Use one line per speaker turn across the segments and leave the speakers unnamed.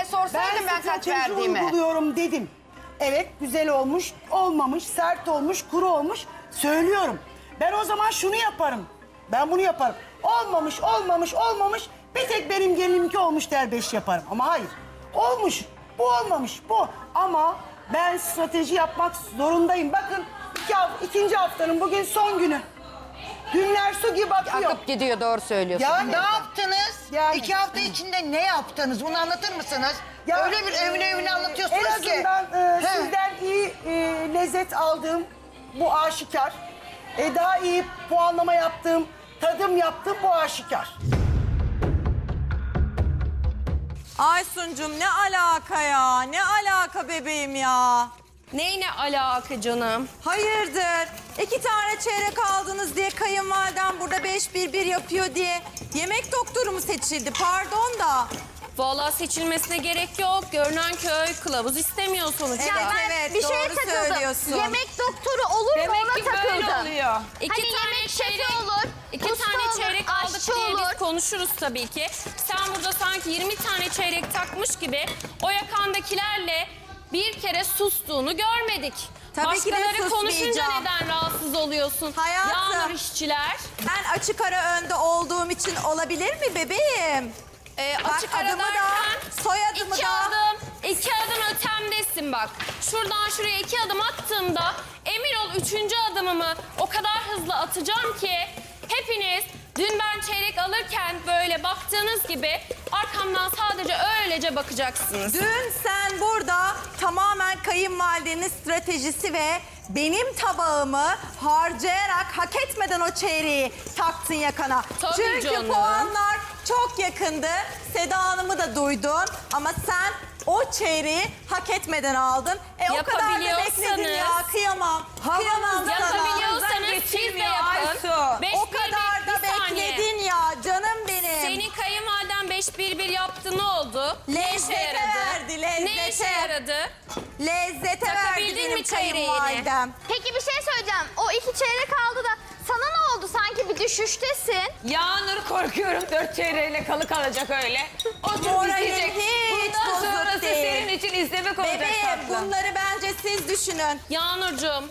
diye sorsaydın ben kaç
strateji
verdiğimi.
uyguluyorum dedim. Evet, güzel olmuş, olmamış, sert olmuş, kuru olmuş. Söylüyorum. Ben o zaman şunu yaparım. Ben bunu yaparım. Olmamış, olmamış, olmamış. Bir tek benim gelinimki olmuş der 5 yaparım. Ama hayır. Olmuş, bu olmamış, bu. Ama ben strateji yapmak zorundayım. Bakın ikinci haftanın bugün son günü. Günler su gibi akıyor.
Akıp gidiyor, doğru söylüyorsun.
Yani
Ne yaptınız?
Yani.
2 hafta içinde ne yaptınız? Bunu anlatır mısınız?
Ya,
Öyle bir evine anlatıyorsunuz
en
ki.
azından
He.
sizden iyi lezzet aldığım bu aşikar. Daha iyi puanlama yaptığım, tadım yaptığım bu aşikar.
Aysuncum ne alaka ya? Ne alaka bebeğim ya?
Neyine alaka canım?
Hayırdır? 2 tane çeyrek aldınız diye kayınvaliden burada 5-1-1 yapıyor diye yemek doktoru mu seçildi? Pardon da.
Vallahi seçilmesine gerek yok. Görünen köy kılavuz istemiyor sonuçta.
Evet, evet,
bir
doğru
şeye takıldım.
söylüyorsun.
Yemek doktoru olur mu
Demek
ona
ki böyle
takıldım.
oluyor. İki
Hani
tane
yemek
çeyrek
şefi olur,
İki
usta
tane
olur,
çeyrek aldık
aşçı
diye
olur.
biz konuşuruz tabii ki. Sen burada sanki 20 tane çeyrek takmış gibi o yakandakilerle bir kere sustuğunu görmedik.
Tabii ki de
Başkaları konuşunca
susmayacağım.
neden rahatsız oluyorsun?
Hayatım.
Yağmur işçiler.
Ben açık ara önde olduğum için olabilir mi bebeğim?
Açık
Bak,
ara
adımı da,
derken
soyadımı da.
iki adım ötemdesin bak. Şuradan şuraya 2 adım attığımda emin ol 3. adımımı o kadar hızlı atacağım ki hepiniz dün ben çeyrek alırken böyle baktığınız gibi arkamdan sadece öylece bakacaksınız.
Dün sen burada tamamen kayınvalidenin stratejisi ve benim tabağımı harcayarak hak etmeden o çeyreği taktın yakana.
Tabii
Çünkü
canım.
puanlar çok yakındı. Seda Hanım'ı da duydun ama sen o çeyreği hak etmeden aldın. O kadar da bekledin ya, kıyamam. Kıyamam sana.
Yapabiliyorsanız siz de yapın.
O kadar da bekledin ya canım benim.
Senin kayınvaliden 5-1-1 yaptı, ne oldu? Ne işe
Lezzete
yaradı?
verdi, lezzete.
Ne işe yaradı?
Lezzete verdi
Takabildin
benim
mi çeyreğini?
kayınvalidem.
Peki bir şey söyleyeceğim. O 2 çeyrek aldı da sana ne oldu? Sanki bir düşüştesin.
Yağnur korkuyorum 4 çeyreğiyle kalı kalacak öyle. Oturup
Moralin
izleyecek.
hiç
Bundan
bozuk
sonrası
değil.
senin için izlemek olacak
Bebeğim
tatlım.
bunları bence siz düşünün.
Yağnurcuğum,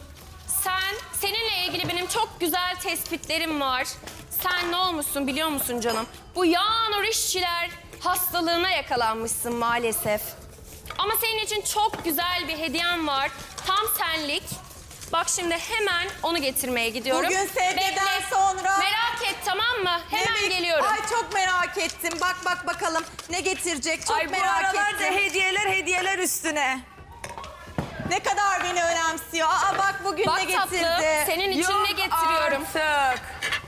seninle ilgili benim çok güzel tespitlerim var. Sen ne olmuşsun biliyor musun canım? Bu Yağnur işçiler hastalığına yakalanmışsın maalesef. Ama senin için çok güzel bir hediyem var. Tam senlik. Bak şimdi hemen onu getirmeye gidiyorum.
Bugün sevgiden
Bekle.
sonra...
Merak et, tamam mı? Hemen geliyorum.
Ay çok merak ettim. Bak bakalım ne getirecek. Çok
Ay bu
merak
aralarda
ettim.
hediyeler üstüne.
Ne kadar beni önemsiyor. Aa bak bugün
Bak
ne getirdi.
tatlım, senin için
Yok
ne getiriyorum?
artık.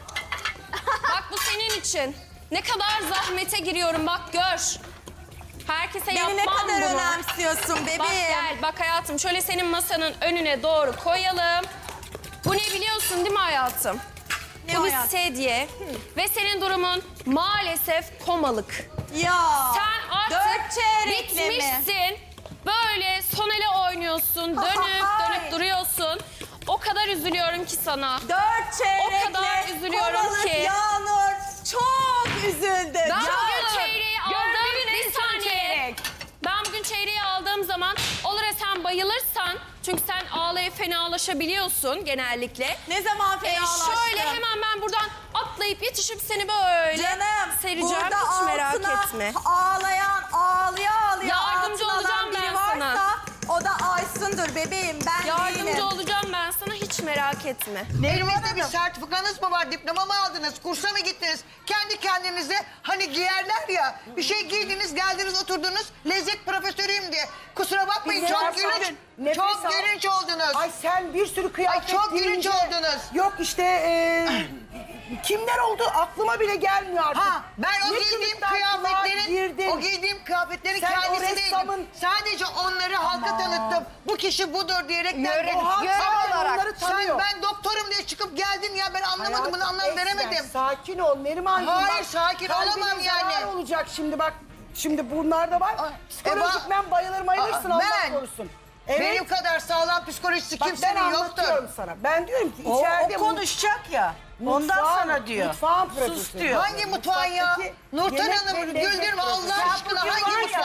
Bak bu senin için. Ne kadar zahmete giriyorum bak gör. Herkese
Beni
yapmam
ne kadar
bunu.
önemsiyorsun bebeğim.
Bak gel, bak hayatım şöyle senin masanın önüne doğru koyalım. Bu ne biliyorsun değil mi hayatım?
Ne
Bu bir
hayatım?
sedye ve senin durumun maalesef komalık.
Ya.
Sen artık
4 çeyrekle mi?
bitmişsin. Böyle son ele oynuyorsun, dönüp duruyorsun. O kadar üzülüyorum ki sana.
4 çeyrekle.
O kadar üzülüyorum
kovalık
ki.
Yağnur çok üzüldüm.
Ben
Yağnur.
bugün çeyreği aldım.
Gördüğün en
Bir
son
saniye.
çeyrek.
Ben bugün çeyreği aldığım zaman olur ya sen bayılırsan, çünkü sen ağlayıp fenalaşabiliyorsun genellikle.
Ne zaman fenalaştın?
Şöyle hemen ben buradan atlayıp yetişip seni böyle
Canım
sereceğim.
burada
Hiç merak
altına
etme.
ağlayan ağlaya
Yardımcı
altına
olacağım
alan biri
ben
varsa,
sana.
O da Aysun'dur bebeğim ben değilim.
Yardımcı olacağım ben sana, hiç merak etme.
Elinizde bir sertifikanız mı var? Diploma mı aldınız? Kursa mı gittiniz? Kendi kendinize hani giyerler ya. Bir şey giydiniz, geldiniz, oturdunuz. Lezzet profesörüyüm diye. Kusura bakmayın
Biz
çok
nefes
gülünç.
alın, nefes
Çok
al.
gülünç oldunuz.
Ay sen bir sürü kıyafet
Ay, çok gülünç
giyince-
oldunuz.
Yok işte kimler oldu aklıma bile gelmiyor artık.
Ha, ben o
Ne
giydiğim
kılıklar
kıyafetlerin,
girdin.
o giydiğim kıyafetlerin
Sen o
kendisi
ressamın-
değilim. Sadece onları halka tanıttım. Bu kişi budur diyerekten.
O halk
Görev
zaten
olarak.
onları tanıyor.
Ben doktorum diye çıkıp geldin ya ben anlamadım
Hayatım,
bunu anlam
Esmer,
veremedim.
Sakin ol Nerimancığım.
Hayır,
bak,
sakin
kalbine
olamam yani.
zarar olacak şimdi bak. Şimdi bunlar da var. Psikolojik ben bayılırsın Allah
ben-
korusun. Evet.
Benim kadar sağlam psikolojisi
Bak ben
kimsenin yoktur.
anlatıyorum sana. Ben diyorum ki
O
içeride
konuşacak ya. Ondan sana diyor.
Mutfağın
Sus
profesörü.
diyor.
Hangi mutfağın ya?
Mutfaktaki
Nurten
yemek
Hanım
ve lezzet
güldürme Allah
profesörü.
aşkına
bugün var
hangi
ya,
mutfağın?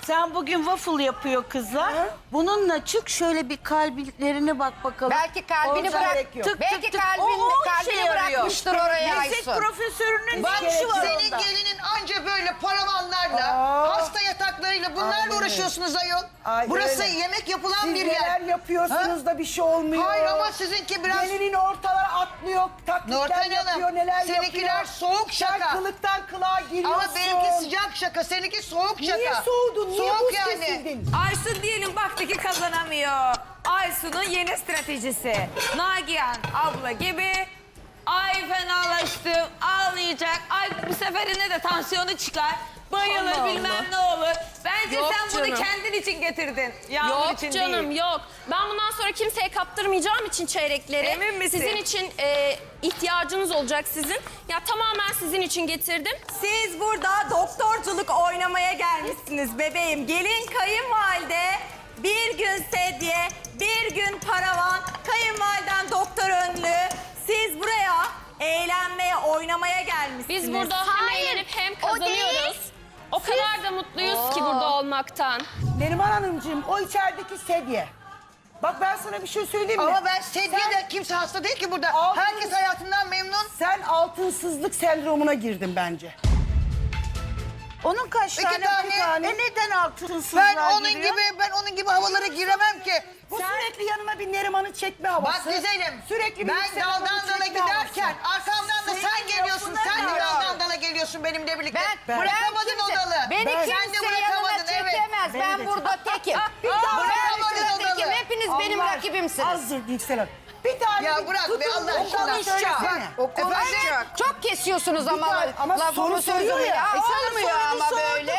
Sen bugün waffle yapıyor kızlar. Bununla çık şöyle bir kalplerine bak bakalım.
Belki kalbini
Orada
bırak.
gerek yok.
Belki
O
kalbini
işe yarıyor.
bırakmıştır oraya
Lezzet
Aysun.
profesörünün
Bak
işi var
senin
onda.
gelinin anca böyle paravanlarla, hasta yataklarıyla bunlarla
Aynen öyle.
uğraşıyorsunuz ayol.
Ay,
Burası
öyle.
yemek yapılan
Siz
bir
neler
yer.
yapıyorsunuz da bir şey olmuyor.
Hayır ama sizinki biraz...
Gelinin ortalara atlıyor, taklitler
Nurten Hanım,
yapıyor, neler
seninkiler
yapıyor.
soğuk şaka.
Sen kılıktan kılığa giriyorsun.
Ama benimki sıcak şaka, seninki soğuk şaka.
Niye soğudun? Niye
Soğuk
buz
yani.
kesildin?
Aysun diyelim baktı ki kazanamıyor. Aysun'un yeni stratejisi. Nagihan abla gibi. Ay fenalaştım, ağlayacak. Ay bu seferinde de tansiyonu çıkar. Bayılır
Allah
bilmem
Allah.
ne olur. Bence
Yok
sen bunu
canım.
kendin için getirdin. Yağmur
Yok
için
canım
değil.
yok. Ben bundan sonra kimseye kaptırmayacağım için çeyrekleri.
Emin misin?
Sizin için ihtiyacınız olacak sizin. Ya tamamen sizin için getirdim.
Siz burada doktorculuk oynamaya gelmişsiniz bebeğim. Gelin kayınvalide, bir gün sedye, bir gün paravan, kayınvaliden doktor önlü. Siz buraya eğlenmeye, oynamaya gelmişsiniz.
Biz burada hem
Hayır,
eğlenip hem
o değil.
kazanıyoruz. O kadar da mutluyuz ki burada olmaktan.
Neriman Hanımcığım o içerideki sedye. Bak ben sana bir şey söyleyeyim mi?
Ama ben sedye kimse hasta değil ki burada.
Altın-
Herkes hayatından memnun.
Sen altınsızlık sendromuna girdin bence.
Onun kaç
İki
tane?
tane.
Bir tane. Neden altınsızlar
Ben onun gibi havalara giremem ki.
Bu sürekli yanına bir Neriman'ı çekme havası.
Bak güzelim.
Sürekli bir
ben
Yüksel
daldan
Hanım'ı
dala
çekme
giderken
havası.
arkamdan da sen
Senin
geliyorsun.
lafına
Sen de
göre.
daldan dala geliyorsun benimle birlikte.
Ben
Bırakamadın
kimse-
o dalı.
Beni
Ben-
Sen de
kimse yanına
bırakamadın evet.
çekemez. Ben burada tekim.
Bir daha
bırakamadın
Ben
o
burada tekim.
dalı.
Hepiniz benim
Allah
rakibimsiniz.
Azdır Yüksel Hanım. Bir tane
Ya bırak be
tutun,
Allah
o
aşkına.
konuşacak.
O konuşacak. Çok kesiyorsunuz ama
tane- ama
lafımı
soru soruyor
sözümü
ya.
ya.
Sana
Olmuyor
sorunu
ama
sordum.
böyle.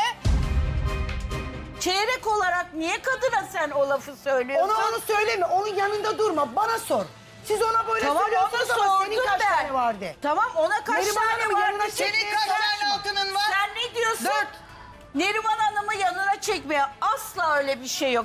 Çeyrek olarak niye kadına sen o lafı söylüyorsun?
Onu söyleme. Onun yanında durma. Bana sor. Siz ona böyle
Tamam onu
söylüyorsunuz ama senin
sordum
kaç
ben.
tane vardı?
Tamam ona kaç
Neriman
tane
Hanım'ın
var?
yanına
Senin kaç tane altının var?
Sen ne diyorsun?
4.
Neriman Hanım'ı yanına çekmeye asla öyle bir şey yok.